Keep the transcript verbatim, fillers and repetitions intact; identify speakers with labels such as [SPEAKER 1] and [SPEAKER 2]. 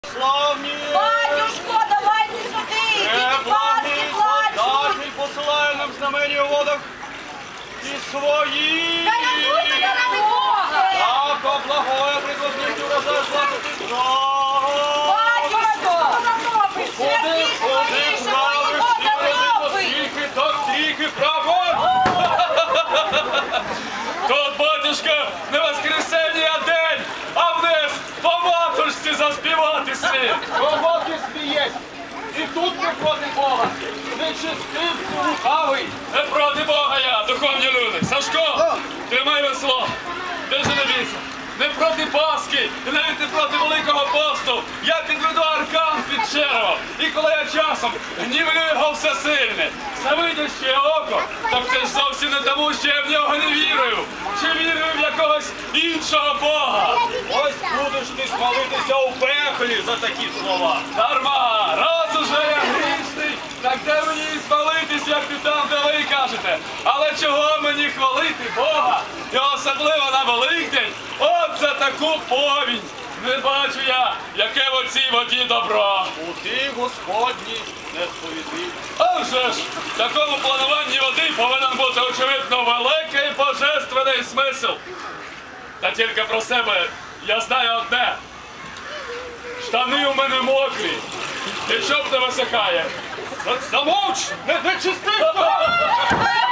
[SPEAKER 1] Славні!
[SPEAKER 2] Батюшко, давайте сюди! Діти Пасхи плачуть!
[SPEAKER 1] Солдатний посилає нам знамення у водах і свої!
[SPEAKER 2] Рятуйте заради Бога!
[SPEAKER 1] Так, облагоє прикосніть урожай златити зрагу!
[SPEAKER 2] Батюшко!
[SPEAKER 1] Ходи, ходи, правиш, і ходи, скільки, так, трійки, право! Тут, батюшка, не воскресенье, а день, а вниз по матушці заспівати слід. Роботи смієсь, і тут не проти Бога, нечистивці лукавий. Не проти Бога я, духовні люди. Сашко, тримай весло, держи на віці. Не проти Пасхи, і навіть не проти Великого посту. Я підведу аркан під черево. І коли я часом гнівлю його всесильне, завидяще око, так це ж зовсім не тому, що я в нього не вірую. Чи вірую в якогось іншого Бога. Ось будеш ти спалитися у пеклі за такі слова. Дарма, раз уже я грішний, так де мені і спалитись, як ти там, де ви кажете. Але чого мені хвалити Бога? І особливо на Великдень, от за таку повінь. Не бачу я, яке в оцій воді добро. У ти, Господні, не сповідив. А вже ж, в такому плануванні води повинен бути, очевидно, великий божественний смисл. Та тільки про себе я знаю одне. Штани у мене мокрі, і чоп не висихає. Замовч, не, не чистив!